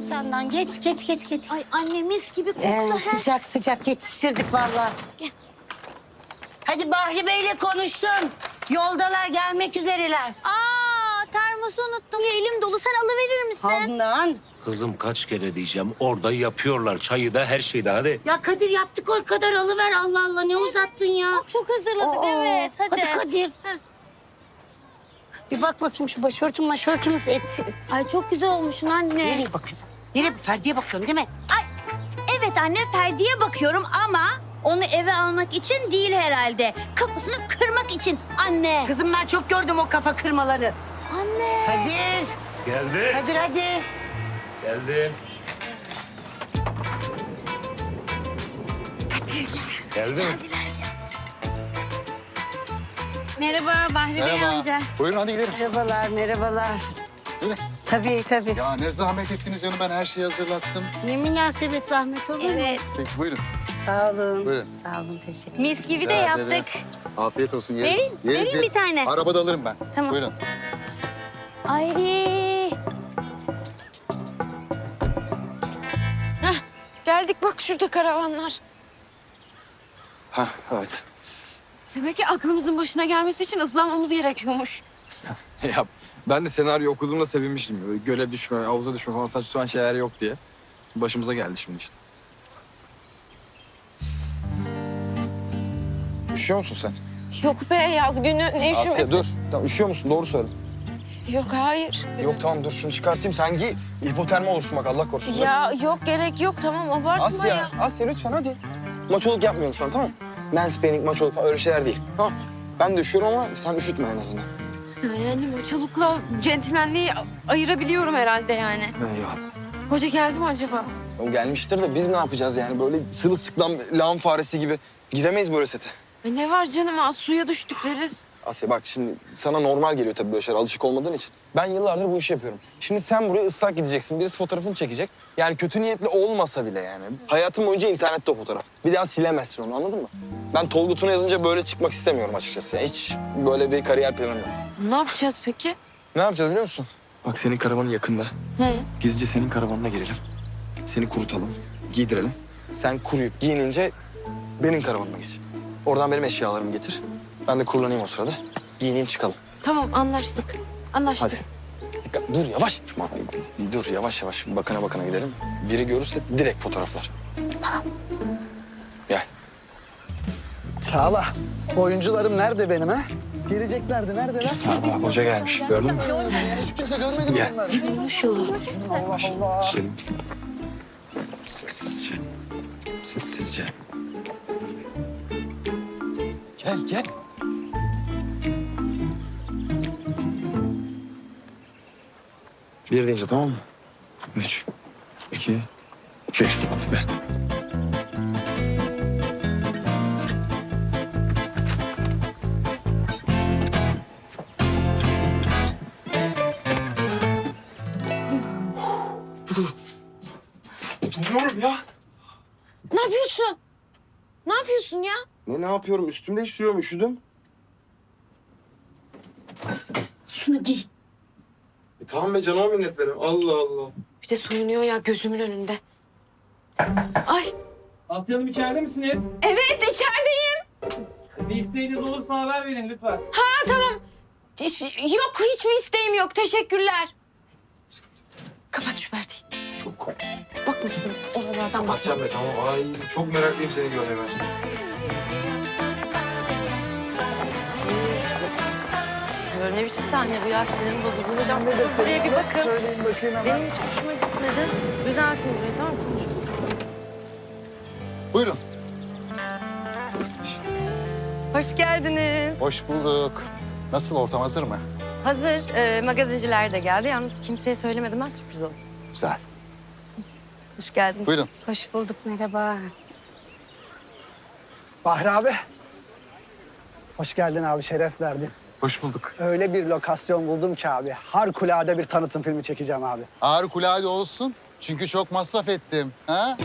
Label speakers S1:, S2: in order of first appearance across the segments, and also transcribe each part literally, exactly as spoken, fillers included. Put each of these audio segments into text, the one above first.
S1: Candan geç geç geç geç.
S2: Ay anne mis gibi koktu.
S1: Ee,
S2: he.
S1: sıcak sıcak yetiştirdik vallahi.
S2: Gel.
S1: Hadi Bahri Bey'le konuştum. Yoldalar, gelmek üzereler.
S2: Aa termosu unuttum. Ya, elim dolu, sen alıverir misin?
S1: Handan.
S3: Kızım kaç kere diyeceğim. Orada yapıyorlar. Çayı da her şeyi de hadi.
S1: Ya Kadir yaptık o kadar, alıver Allah Allah, ne uzattın ya?
S2: Çok hazırladık
S1: Aa,
S2: evet. Hadi.
S1: Hadi Kadir.
S2: Heh.
S1: Bir bak bakayım şu başörtüm başörtümüz et.
S2: Ay çok güzel olmuşsun anne.
S1: Nereye bakıyorsun? Nereye? Perdeye bakıyorum değil mi?
S2: Ay evet anne, Ferdi'ye bakıyorum ama onu eve almak için değil herhalde. Kafasını kırmak için anne.
S1: Kızım ben çok gördüm o kafa kırmaları.
S2: Anne.
S1: Kadir.
S3: Geldi.
S1: Kadir hadi.
S3: Geldim.
S1: Kadir.
S3: Geldi mi?
S2: Merhaba Bahri Bey
S4: Merhaba.
S2: amca.
S4: Buyurun hadi gidelim.
S1: Merhabalar, merhabalar.
S4: Buyurun.
S1: Tabii tabii.
S4: Ya ne zahmet ettiniz canım, ben her şeyi hazırlattım.
S1: Ne münasebet, zahmet olur mu?
S2: Evet.
S4: Peki buyurun.
S1: Sağ olun.
S4: Buyurun.
S1: Sağ olun, teşekkür
S2: Mis gibi de
S4: Rica ederim.
S2: yaptık.
S4: Afiyet olsun, yeriz.
S2: Vereyim,
S4: Yeriz,
S2: vereyim
S4: yeriz.
S2: bir tane.
S4: Arabada alırım ben.
S2: Tamam.
S4: Buyurun.
S2: Ay.
S5: Geldik bak şurada karavanlar.
S6: Ha evet.
S5: Demek ki aklımızın başına gelmesi için ıslanmamız gerekiyormuş.
S6: Ya ben de senaryo okuduğumda sevinmiştim. Böyle göle düşme, havuza düşme falan saçma sapan şeyler yok diye. Başımıza geldi şimdi işte. Üşüyor musun sen?
S5: Yok be yaz günü ne
S6: Asya
S5: üşümesi.
S6: dur. Tamam, üşüyor musun? Doğru söyle.
S5: Yok hayır.
S6: Yok tamam dur şunu çıkartayım. Sen giy. Hipotermi olursun bak Allah korusun.
S5: Ya yok gerek yok tamam abartma
S6: Asya,
S5: ya.
S6: Asya lütfen hadi. Maçoluk yapmıyorum şu an tamam mı? Mansplaining, maçoluk falan öyle şeyler değil. Tamam. Ben de üşüyorum ama sen üşütme en azından.
S5: Yani maçalukla centilmenliği ayırabiliyorum herhalde yani.
S6: Eyvallah.
S5: Hoca geldi mi acaba?
S6: O gelmiştir de biz ne yapacağız yani? Böyle sırılsıklam lağım faresi gibi giremeyiz böyle sete.
S5: E ne var canım az suya düştük deriz.
S6: Asya bak şimdi sana normal geliyor tabii böyle şeyler alışık olmadığın için. Ben yıllardır bu işi yapıyorum. Şimdi sen buraya ıslak gideceksin. Birisi fotoğrafını çekecek. Yani kötü niyetli olmasa bile yani. Hayatın boyunca internette o fotoğraf. Bir daha silemezsin onu anladın mı? Ben Tolga Tuna yazınca böyle çıkmak istemiyorum açıkçası. Yani hiç böyle bir kariyer planım yok.
S5: Ne yapacağız peki?
S6: Ne yapacağız biliyor musun? Bak senin karavanın yakında.
S5: He.
S6: Gizlice senin karavanına girelim. Seni kurutalım, giydirelim. Sen kuruyup giyinince benim karavanıma geç. Oradan benim eşyalarımı getir. Ben de kurulanayım o sırada. Giyineyim çıkalım.
S5: Tamam anlaştık. Anlaştık.
S6: Hadi. Dikkat, dur yavaş. Şuna, dur yavaş yavaş bakana bakana gidelim. Biri görürse direkt fotoğraflar. Gel.
S7: Çağla, oyuncularım nerede benim ha? Geleceklerdi, neredeler?
S6: Aa, hoca gelmiş. Gördün mü?
S7: Hiç kimse görmedi mi
S6: Gel.
S7: bunları?
S5: Konuşuyorlar.
S7: Allah Allah.
S6: Selim. Sessizce. Sessizce. Gel gel. Bir deyince tamam mı? Üç, iki, bir. Be. Duruyorum ya.
S5: Ne yapıyorsun? Ne yapıyorsun ya?
S6: Ne ne yapıyorum? Üstümde değiştiriyorum. Üşüdüm.
S1: Şunu giy.
S6: E, tamam be canıma minnet verin. Allah Allah.
S5: Bir de soyunuyor ya gözümün önünde. Ay
S8: Asya Hanım içeride misiniz?
S5: evet içerideyim.
S8: Bir isteğiniz olursa haber verin lütfen.
S5: Ha tamam. Hiç- Yok hiçbir isteğim yok. Teşekkürler. Kapat şu perdeyi.
S6: Çok
S5: Bakma sakın. Oralardan bakma.
S6: kapatacağım be tamam. Ay çok meraklıyım seni görmeye ben şimdi.
S9: Böyle ne biçim sahne bu ya, sinirim bozuldu. Hocam siz
S7: Nedir
S9: de buraya bir
S7: senin?
S9: bakın.
S7: Söyleyin bakayım hemen.
S9: Benim hiç hoşuma gitmedi. Düzeltin burayı, tamam mı? Konuşuruz.
S4: Buyurun.
S9: Hoş geldiniz.
S4: Hoş bulduk. Nasıl, ortam hazır mı?
S9: Hazır. Ee, magazinciler de geldi. Yalnız kimseye söylemedim ben, sürpriz olsun.
S4: Güzel.
S9: Hoş geldiniz.
S4: Buyurun.
S1: Hoş bulduk, merhaba.
S7: Bahri abi. Hoş geldin abi, şeref verdin.
S6: Hoş bulduk.
S7: Öyle bir lokasyon buldum ki abi. Harikulade bir tanıtım filmi çekeceğim abi.
S4: Harikulade olsun. Çünkü çok masraf ettim. Ha?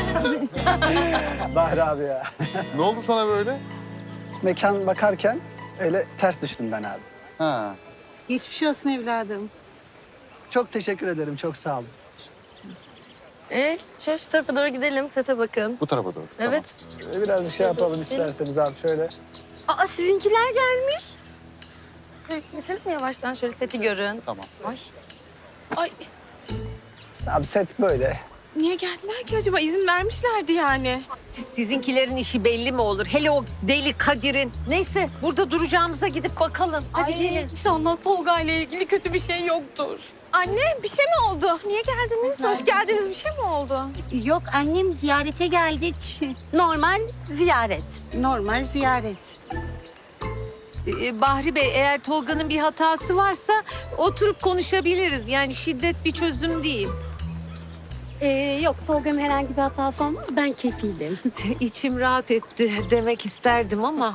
S7: Bahri abi ya.
S4: Ne oldu sana böyle?
S7: Mekan bakarken Öyle ters düştüm ben abi.
S4: Ha.
S1: Geçmiş şey olsun evladım.
S7: Çok teşekkür ederim. Çok sağ olun.
S9: Ee, şöyle şu tarafa doğru gidelim. Sete bakın.
S4: Bu tarafa doğru.
S9: Evet.
S7: Ee, Biraz bir şey yapalım isterseniz abi şöyle.
S9: Aa, sizinkiler gelmiş. Evet, geçelim mi yavaştan? Şöyle seti görün.
S4: Tamam.
S9: Ay.
S5: Ay
S7: Abi set böyle.
S5: niye geldiler ki acaba? İzin vermişlerdi yani.
S10: Sizinkilerin işi belli mi olur? Hele o deli Kadir'in. Neyse burada duracağımıza gidip bakalım. Hadi
S5: Ay,
S10: gelin.
S5: İnşallah Tolga ile ilgili kötü bir şey yoktur. Anne bir şey mi oldu? Niye geldiniz? Hoş geldiniz, bir şey mi oldu?
S1: Yok annem ziyarete geldik.
S10: Normal ziyaret.
S1: Normal ziyaret.
S10: Ee, Bahri Bey eğer Tolga'nın bir hatası varsa oturup konuşabiliriz. Yani şiddet bir çözüm değil.
S1: Ee, yok Tolga'nın herhangi bir hatası olmaz. Ben kefilim.
S10: İçim rahat etti demek isterdim ama.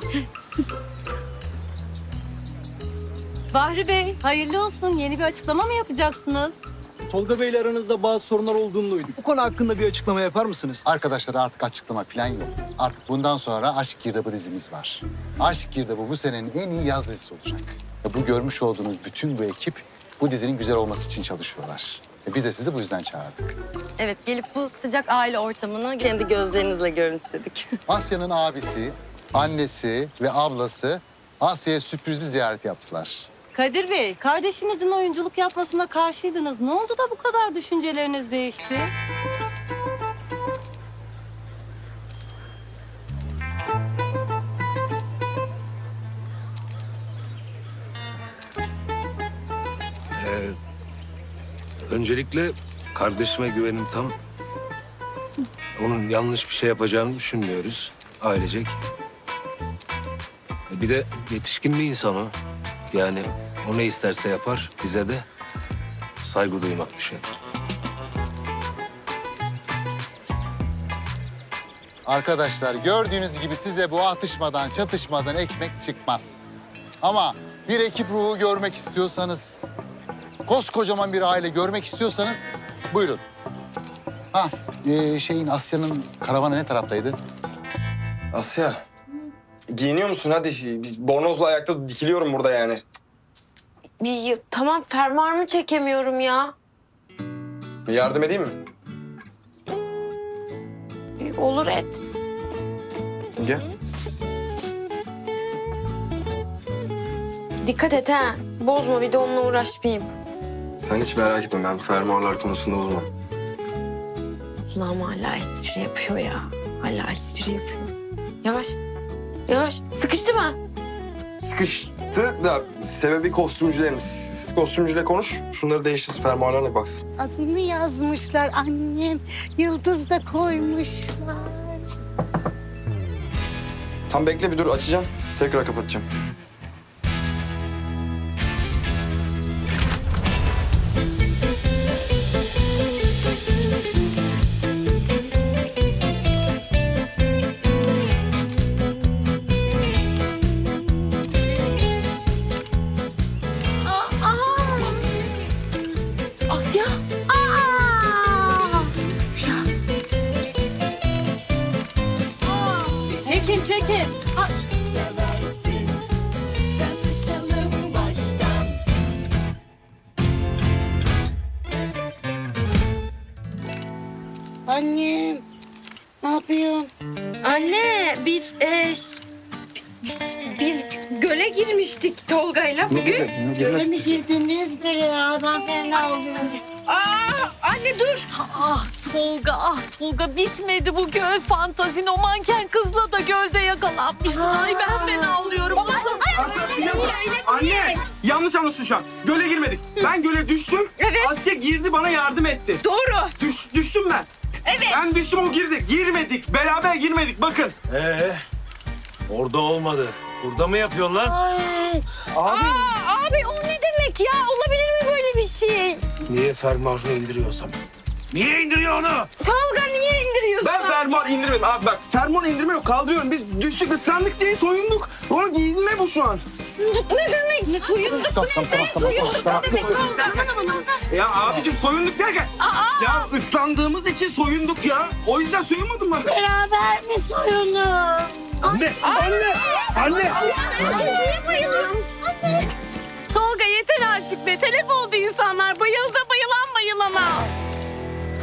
S9: Bahri Bey, hayırlı olsun. Yeni bir açıklama mı yapacaksınız?
S7: Tolga Bey'le aranızda bazı sorunlar olduğunu duyduk. Bu konu hakkında bir açıklama yapar mısınız?
S4: Arkadaşlar artık açıklama falan yok. Artık bundan sonra Aşk Girdabı dizimiz var. Aşk Girdabı bu senenin en iyi yaz dizisi olacak. Ve bu görmüş olduğunuz bütün bu ekip bu dizinin güzel olması için çalışıyorlar. Ve biz de sizi bu yüzden çağırdık.
S9: Evet, gelip bu sıcak aile ortamını kendi gözlerinizle görün istedik.
S4: Asya'nın abisi, annesi ve ablası Asya'ya sürpriz bir ziyaret yaptılar.
S9: Kadir Bey, kardeşinizin oyunculuk yapmasına karşıydınız. Ne oldu da bu kadar düşünceleriniz değişti?
S3: Ee, öncelikle kardeşime güvenim tam. Onun yanlış bir şey yapacağını düşünmüyoruz ailecek. Bir de yetişkin bir insan o. Yani o ne isterse yapar, bize de saygı duymak bir şey.
S4: Arkadaşlar gördüğünüz gibi size bu atışmadan, çatışmadan ekmek çıkmaz. Ama bir ekip ruhu görmek istiyorsanız, koskocaman bir aile görmek istiyorsanız buyurun. Ha, ee, şeyin Asya'nın karavanı ne taraftaydı?
S6: Asya. Giyiniyor musun? Hadi biz bornozla ayakta dikiliyorum burada yani.
S5: Bir, tamam fermuarımı çekemiyorum ya.
S6: Bir yardım edeyim mi?
S5: Bir, olur et.
S6: Gel.
S5: Dikkat et ha. Bozma, bir de onunla uğraşmayayım.
S6: Sen hiç merak etme, ben fermuarlar konusunda uzman.
S5: Ulan hala espri yapıyor ya. Hala espri yapıyor. Yavaş. Yavaş. Sıkıştı mı?
S6: Sıkıştı da sebebi kostümcülerimiz. Siz kostümcüyle konuş, şunları değiştirsin, fermuarlarına baksın.
S1: Adını yazmışlar annem. Yıldız da koymuşlar.
S6: Tam bekle bir dur, açacağım. Tekrar kapatacağım.
S5: Asya.
S9: Çekin, çekin.
S1: Annem. Ne yapıyorsun?
S5: Anne biz e, biz göle girmiştik Tolga'yla bugün.
S1: Öyle mi girdiniz böyle ya? Ben fena oluyorum.
S5: Aa, anne dur.
S10: Ah Tolga, ah Tolga bitmedi bu göl fantazin. O manken kızla da gölde yakalanmıştın. Ay ben fena oluyorum.
S8: Anne! Yanlış anlaşıldı şu an. Göle girmedik. Ben göle düştüm.
S5: Evet.
S8: Asya girdi bana yardım etti.
S5: Doğru.
S8: Düş, düştüm ben.
S5: Evet.
S8: Ben düştüm o girdi. Girmedik. Beraber girmedik. Bakın.
S3: Ee, orada olmadı. Burada mı yapıyorsun lan?
S1: Ay.
S5: Aa, abi o ne demek ya? Olabilir mi böyle bir şey?
S3: Niye fermuarını indiriyorsam? Niye indiriyor onu?
S5: Tolga niye indiriyorsun?
S8: Ben fermuar indirmedim. Abi bak fermuar indirme yok. Kaldırıyorum. Biz düştük ıslandık diye soyunduk. Onu giyinme bu şu an.
S5: Ne demek? Ne soyunduk?
S4: Tamam, tamam, tamam, tamam,
S5: Soyunduk
S4: tamam,
S5: ne demek? Tolga?
S8: Ya abicim soyunduk derken. Ya ıslandığımız için soyunduk ya. O yüzden soyunmadın mı?
S1: Beraber mi soyunun?
S8: Anne! Anne! Anne!
S5: Anne,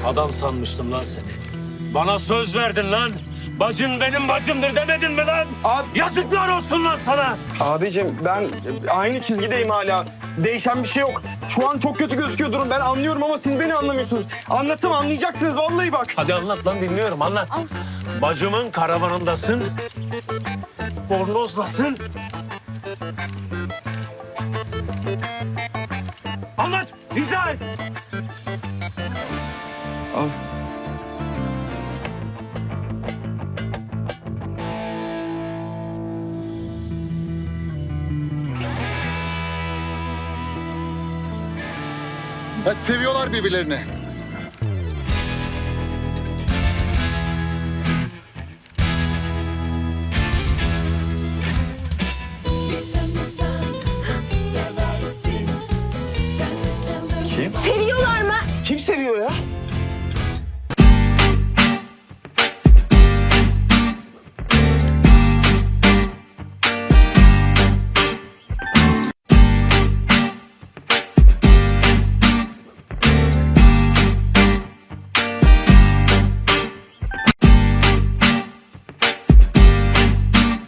S3: Adam sanmıştım lan seni. Bana söz verdin lan. Bacın benim bacımdır demedin mi lan?
S8: Abi-
S3: Yazıklar olsun lan sana.
S8: Abicim ben aynı çizgideyim hala. Değişen bir şey yok. Şu an çok kötü gözüküyor durum. Ben anlıyorum ama siz beni anlamıyorsunuz. Anlatsam anlayacaksınız vallahi bak.
S3: Hadi anlat lan, dinliyorum, anlat. Bacımın karavanındasın. Bornozlasın. Anlat, izah et.
S8: Abi.
S4: Ya seviyorlar birbirlerini.
S8: Kim?
S2: Seviyorlar mı?
S8: Kim seviyor ya?